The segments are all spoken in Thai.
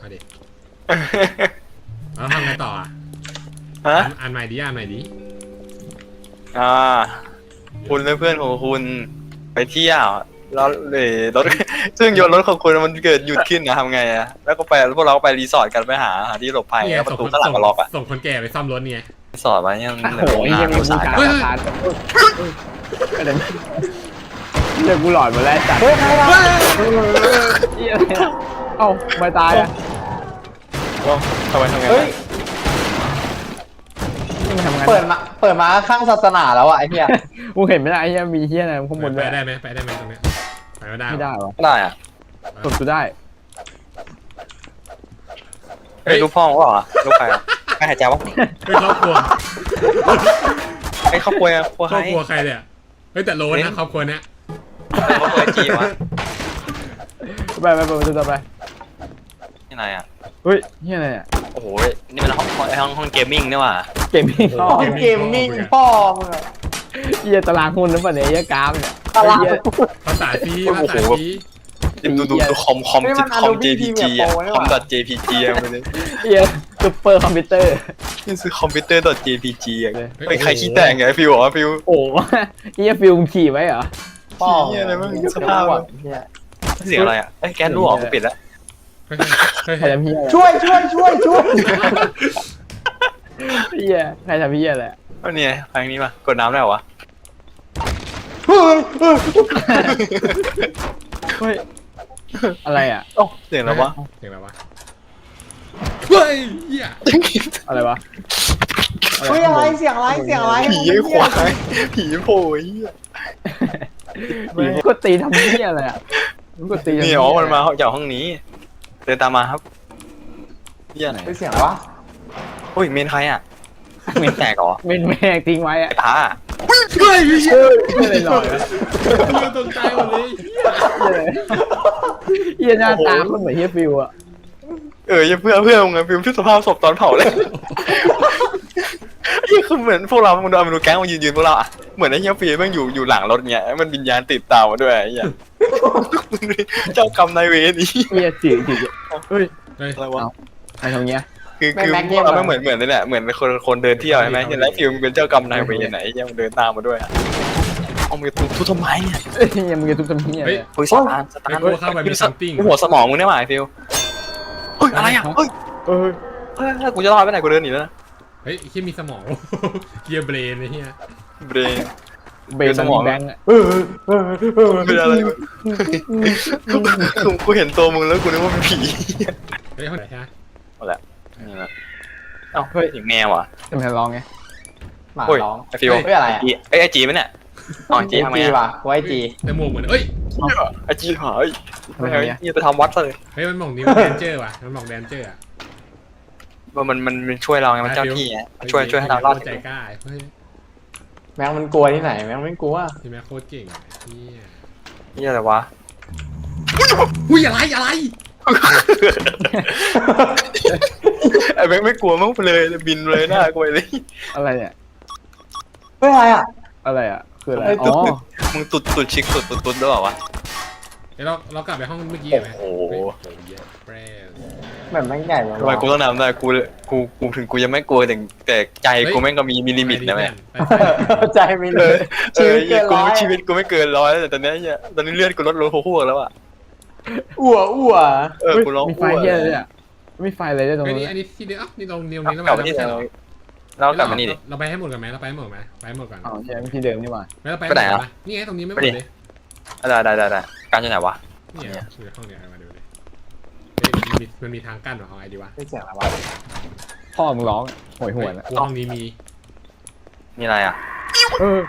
เอาดิแล้วทำไงต่ออ่ะฮะอ่านใหม่ดิคุณและเพื่อนของคุณไปเที่ยวแล้วเลยรถ ซึ่งยนต์รถของคุณมันเกิดหยุดขึ้นนะทำไงอะแล้วก็ไปพวกเราก็ไปรีสอร์ทกันไปหาที่หลบภัยนี่ไงแล้วประส่งตูคนข้างหลังก็ล็อกอะส่งคนแก่ไปซ่อมรถเนี่ยรีสอร์ทไว้เนี่ยมันโอ้โหไอ้เหี้ยังมีบูชาประธานก็เลยเดี๋ยวกูหลอนหมดแล้วจัดเฮ้ยใครวะเหี้ยอะไรอะเอ้าไม่ตายอ่ะทำไมทำไงเฮ้ยนี่มันทำงานเปิดมาข้างศาสนาแล้วอ่ะไอ้เหี้ยกูเห็นไม่ได้ไอ้เหี้ยมีเหี้ยอะไรข้างบนไปด้วยได้ไหมตรงเนี้ยไปไม่ได้ไม่ได้หรอได้อะกดกูได้เฮ้ยลูกพ่อเขาบอกอะลูกใครอะใครหายใจวะเฮ้ยครอบครัวไอ้ครอบครัวอะครัวคใครรอบครัวใครเนี่ยเฮ้ยแต่โลนะครอบครัวเนี้ยครอบครัวจีวะไปไปไปไปไปที่ไหนอะเฮ้ยเหี้ยอะไรอ่ะโอ้โหนี่มันห้องเกมมิ่งนี่หว่าเกมมิ่งอ๋อเกมมิ่งพ่อมึงอะเหี้ยตารางหุ้นหรือเปล่าเนี่ยเหี้ยกราฟเนี่ยตลาดเหี้ยภาษาซีดูคอมเฮ้ยมัน JPG อะคอม .jpg อะมันเลยเหี้ยซุปเปอร์คอมพิวเตอร์นี่คือคอมพิวเตอร์ .jpg อะเป็นใครขี้แต่งไงฟิวเหรอฟิวโอ้โหเหี้ยฟิลมขี่ไว้เหรอพ่อเหี้ยอะไรบ้างสภาพอะเหี้ยเสียงอะไรอะเอ้ยแก๊สรั่วออกกูปิดแล้วใครทำเหี้ยอะไรช่วยเหี้ยใครทำเหี้ยอะไรก็เนี่ยทางนี้มากดน้ำได้เหรอวะเฮ้ยเฮ้ยอะไรอ่ะโอ้เสียงอะไรวะเสียงอะไรวะเฮ้ยเหี้ยอะไรวะเฮ้ยอะไรเสียงอะไรผีไอ้ควายผีโผล่ไอ้เหี้ยก็ตีทำเหี้ยอะไรอ่ะมันก็ตีทำนี่เหี้ยอ๋อมันมาจากห้องนี้เดินตามมาครับเหี้ยไหนเฮ้ยเสียงอะไรวะโอ้ยเมนใครอะเมนแตกเหรอเม่นแม่งทิ้งไว้อ่ะไอ้พาเฮ้ยเหี้ยไม่เลยหน่อยตกใจหมดเลยเหี้ยหน้าตาคนเหมือนเฮียฟิวอ่ะอย่าเพื่อมึงอะฟิวที่สภาพศพตอนเผาเลยนี่คือเหมือนพวกเรามึงดูแก๊งมันยืนพวกเราอะเหมือนไอ้เหี้ยฟิวมันอยู่หลังรถเงี้ยมันวิญญาณติดตามมาด้วยไอ้เหี้ยเจ้ากรรมนายเวรนี่เฮียจืดเฮ้ยเฮ้ยอะไรวะใครทำเงี้ยคือพวกเราไม่เหมือนนี่แหละเหมือนคนเดินเที่ยวใช่ไหมแล้วฟิวมันเป็นเจ้ากรรมนายเวรไหนยังเดินตามมาด้วยเอามือทุบทำไมเนี่ยยังมึงจะทุบทำเฮียเฮ้ยเฮ้ยสตาร์ทกูเข้าไปเป็นซัมติงหัวสมองมึงได้ไหมฟิวเฮ้ยอะไรอ่ะเฮ้ยเฮ้ยกูจะรอดไปไหนกูเดินหนีแล้วนะเฮ้ยเหี้ยมีสมองเกียร์เบรนไอ้เหี้ยเบรนเบนสมองแบงค์อ่ะเป็นอะไรกูเห็นตัวมึงแล้วกูนึกว่าเป็นผีเฮ้ยห้องไหนฮะเอาละนี่นะเอ้าเฮ้ยแมวอ่ะจะมาลองไงหมาโอ้ยร้องไอฟิวเฮ้ยอะไรอะไอจีมั้ยเนี่ยอ๋อจีทำไงจีอ่ะว่ะไว้จีแต่หมวกเหมือนเอ้ยไอจีหายไม่เอานี่ไปทำวัดเลยเฮ้ยมันบอกนิ้วแดนเจอร์ว่ะมันบอกแดนเจอร์อ่ะมันช่วยเราไงมันเจ้าที่ไงช่วยให้เรารอดใจกล้าเฮ้ยแม่งมันกลัวที่ไหนแม่งไม่กลัวที่แม่โคตรเก่งเนี่ยนี่อะไรวะอุ้ยอะไรไอ้แบงค์ไม่กลัวมั้งไปเลยบินเลยหน้ากูเลยอะไรเนี่ยเฮ้ยอะไรอ่ะอะไรอ่ะคืออะไรไอ้อ๋ตุ๊อดมึงตุดชิกตุดหรือเปล่าวะเดี๋ยวเรากลับไปห้องเมื่อกี้ไหมแปรแบบแม่งใหญ่เลยทำไมกูต้องนำได้กูถึงกูยังไม่กลัวแต่ใจกูแม่งก็มีลิมิตนะแม่ใจไม่เลยชีวิตเกินร้อยชีวิตกูไม่เกิน100แต่ตอนนี้เนี่ยตอนนี้เลือดกูลดลงหัวแล้วอ่ะอ้วกูร้องมีไฟเฮียเลยอ่ะมีไฟอะไรด้วยตรงอันนี้นี้อันนี้ที่เดียวนี่ตรงนิ้วนี้แล้วกลับมาที่เรากลับมานี่ดิเราไปให้หมดกันไหมเราไปให้หมดไหมไปให้หมดก่อนอ๋อใช่ที่เดิมนี่หว่าแล้วเราไปนี่ไงตรงนี้ไม่หมดเลยได้การจะไหนวะนี่คือห้องเนี้ยมาดูเลยมันมีทางกั้นหรอของไอดีวะไม่เสียงอะไรวะพ่อมึงร้องโหยหวนอ่ะห้องนี้มีนี่อะไรอ่ะเออ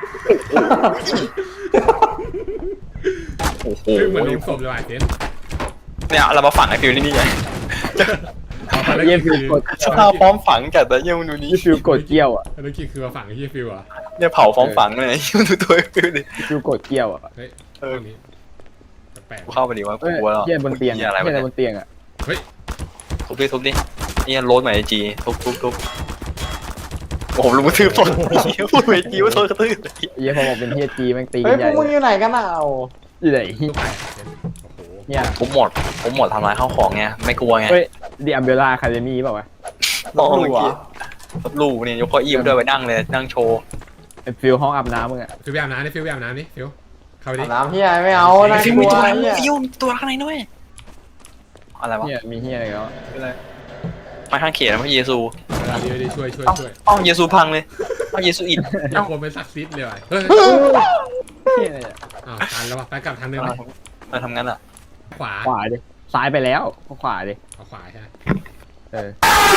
โอ้โหเหมือนลงศพเลยว่ะเจนเนี่ยเรามาฝังไอ้ฟิวนี่ไงเยี่ยฟิวกดสภาพพร้อมฝังจัดแต่ยังดูนี้ฟิวกดเกี้ยวอ่ะแล้วคิดคือมาฝั่งที่ฟิวอ่ะเนี่ยเผาพร้อมฝังเลยยังดูตัวฟิวดิฟิวกดเกี้ยวอ่ะเฮ้ยห้องนี้แปลกกูเข้าไปดิว่ากูเฮ้ยกลัวแล้วเยี่ยบนเตียงเหี้ยอะไรเยี่วะยเนี่ยบนเตียงอ่ะทุบดินี่โรสใหม่ไอจีทุบโอ้โหลุงกระทืบต้นพูดไอจีว่าโดนกระทืบเยี่ยพอบอกเป็นเฮียจีแม่งตีเฮ้กัยนใหพวญ่กมึงอยู่ไหนกันอ่ะอยู่ไหนลูกไปเจนโอ้โหเนี่ยผมหมดทำลายข้าวของไงไม่กลัวไงเฮ้ยดิอัมเบล่าคาเดมี่เปล่าวะมองเมื่อกี้รถลูกเนี่ยยกเก้าอี้มาด้วยไปนั่งเลยนั่งโชว์ไอ้ฟิลห้องอาบน้ำมึงอะฟิวไปอาบน้ำนี่ฟิวไปอาบน้ำนี่ฟิวเข้าไปดิอาบน้ำเฮียไม่เอาน่าฟิวกมีลัวตัวอะไรเฮียฟิวมีตัวข้างในด้วยอะไรวะเนี่ยมีเฮียอะไรแล้วมาข้างเขียนพระเยซูเดี๋ยวช่วยเอ้าเยซูพังเลยเอ้าเยซูอิดเจ้าคนเป็นศักดิ์สิทธิ์เลยว่ะเฮ้ยเฮียอะไรอะอ้าวทันแล้วว่ะไปกลับทางเดิมมาทำงั้นอ่ะขวาขวาดิซ้ายไปแล้วขวาดิเอาขวาใช่ไหมเออ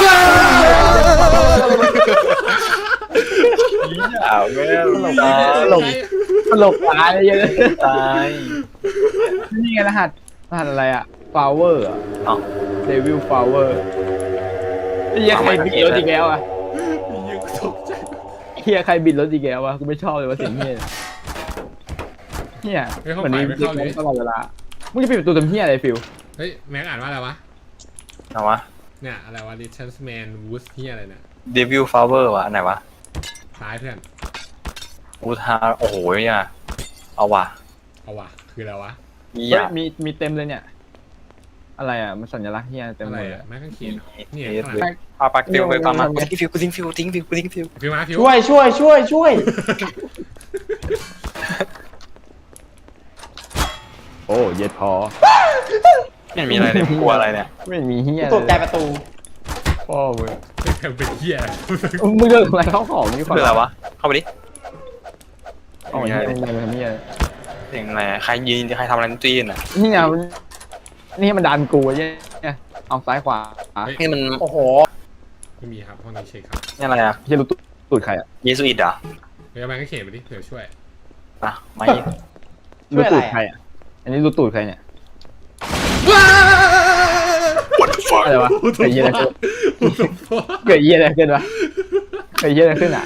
อ้าวแม่ตายตลกตายเลยตายนี่ไงรหัสอะไรอะฟลาวเวอร์อะเอ้าเดวิลฟลาวเวอร์เฮียใครบิดรถอีกแล้วอะยังตกใจเฮียใครบิดรถอีกแล้ววะกูไม่ชอบเลยว่าเสียงเฮียเฮียเหมือนมีเด็กตลอดเวลามึงจะปิดประตูทำเฮียอะไรฟิลเฮ้ยแม็กอ่านว่าอะไรวะเอาวะเนี่ยอะไรวะ Richard Man Woods เฮียอะไรเนี่ยเดวิลฟลาวเวอร์วะอันไหนวะซ้ายเพื่อนอูทาโอ้โหเนี่ยเอาวะเอาว่ะคืออะไรวะมีเฮ้ยอ่ะมีเต็มเลยเนี่ย อะไรอ่ะมันสัญลักษณ์เฮียเต็มอะไรเลยอ่ะแม็กข้างเขียนนี่เนี่ยข้างหลังเอาปักฟิวไปตามมากูทิ้งฟิวกูทิ้งฟิวทิ้งฟิวกูทิ้งฟิวฟิวมาฟิวช่วยโอ้เย็ดพอไม่มีอะไรเลยกลัวอะไรเนี่ยไม่มีเฮียตกใจประตูพ่อมึงเป็นเฮียมึงเลิกอะไรเข้าของนี่คืออะไรวะเข้าไปดิอ๋อเฮียมึงทำเฮียเสียงอะไรใครยืนใครทำอะไรตีนอ่ะนี่ไงนี่มันดันกูเนี่ยเอาซ้ายขวานี่มันโอ้โหไม่มีครับห้องนี้เช็คครับนี่อะไรอ่ะเฮียรู้ตูดใครอ่ะเยซูอิดเหรอเดี๋ยวแม็กก็เขียนไปดิเดี๋ยวช่วยอ่ะไม่รู้ตูดใครอ่ะอันนี้รู้ตูดใครเนี่ยอะไรวะเกิดเฮียอะไรขึ้นเกิดเฮียอะไรขึ้นวะเกิดเฮียอะไรขึ้นอ่ะ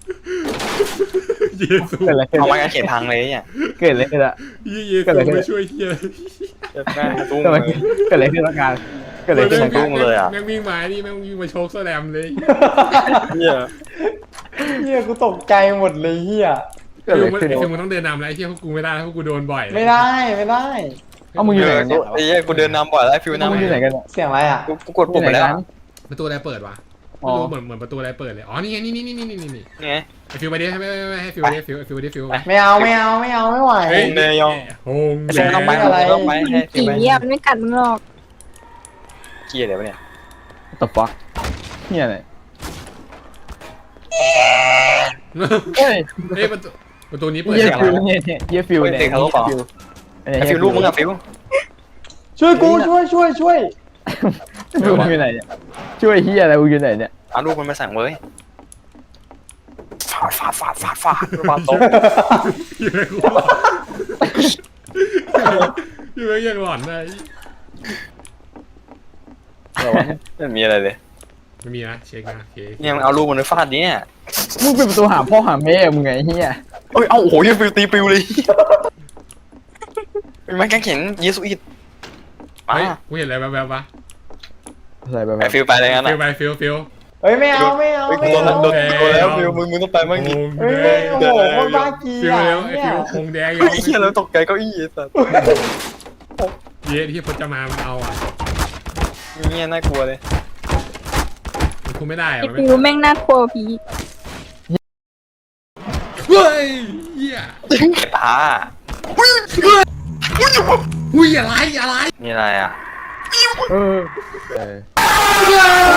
เยซูเกิดอะไรขึ้นเอาไม้กางเขนพังเลยเนี่ยเกิดอะไรขึ้นอ่ะเยซูไม่ช่วยเฮียแม่ตุ้งเกิดอะไรเลยเกิดอะไรขึ้นละกันเกิดอะไรขึ้นละกันแม่งวิ่งมาดิแม่งวิ่งมาโชกแสลมเลยเนี่ยเฮียกูตกใจหมดเลยเฮียเกิดอะไรขึ้นฟิวมันต้องเดินนำแล้วไอ้เฮียพวกกูไม่ได้พวกกูโดนบ่อยไม่ได้เอามึงอยู่ไหนกันเนี่ยไอ้เหี้ยกูเดินนำบ่อยแล้วฟิวมึงนำอยู่ไหนกันเนี่ยเสียงอะไรอ่ะกูกดปุ่มไปแล้วประตูอะไรเปิดวะอ๋อเหมือนประตูอะไรเปิดเลยอ๋อนี่ไงนี่ไงไอฟิวไปดิไม่ให้ฟิวไปดิฟิวไปดิฟิวไม่เอาไม่ไหวเฮ้ยเนยองโฮงไอ้ฟิวต้องไปอะไรต้องไปให้ฟิวผีไปอ่ะมันไม่กัดมึงหรอกเกียร์เดี๋ยวเนี่ยตบฟักเนี่ยอะไรเฮ้เฮ้ยยประตูนี้เปิดเยี่ยเสียงฟิวอะไรเนี่ยเยี่ยฟิวเนี่ยไอ้ฟิวลูกมึงอะฟิวช่วยกูช่วยฟิวอยู่ไหนเนี่ยช่วยเฮียอะไรมึงอยู่ไหนเนี่ยเอาลูกมันมาสั่งเว้ยฟาดโต๊ะอยู่ไม่ยังหลอนเลยไม่มีอะไรเลยไม่มีนะเช็คนะโอเคเนี่ยมันเอาลูกมันไปฟาดเนี่ยมึงเป็นประตูหาพ่อหาแม่มึงไงเฮียเอ้ย เอาโอ้โหยังฟิวตีปิวเลยเป็นไม้กางเขนเยซูอิดมาเฮ้ยกูเห็นอะไรแบบวะอะไรแบบไอฟิวไปเลยงั้นฟิอ่ะวไปฟิวเฮ้ยไม่เอาเฮ้ยกูโดนแล้วฟิวมึงต้องไปมั่งดิเฮ้ยโอ้โหคนบ้ากีฟิวอ่ะเร็วไอเนี่ฟิยวคงแดงไอ้เหี้ยแล้วตกใจเก้าอี้ไอ้สัสเย็ดที่พจมามันเอาอ่ะเงี้ยน่ากลัวเลยมันคุมไม่ได้อะไอ้มันฟิไม่วแม่งน่ากลัวผีเฮ้ยเหี้ยตาอุ้ยอะไรนี่อะไรอ่ะเออ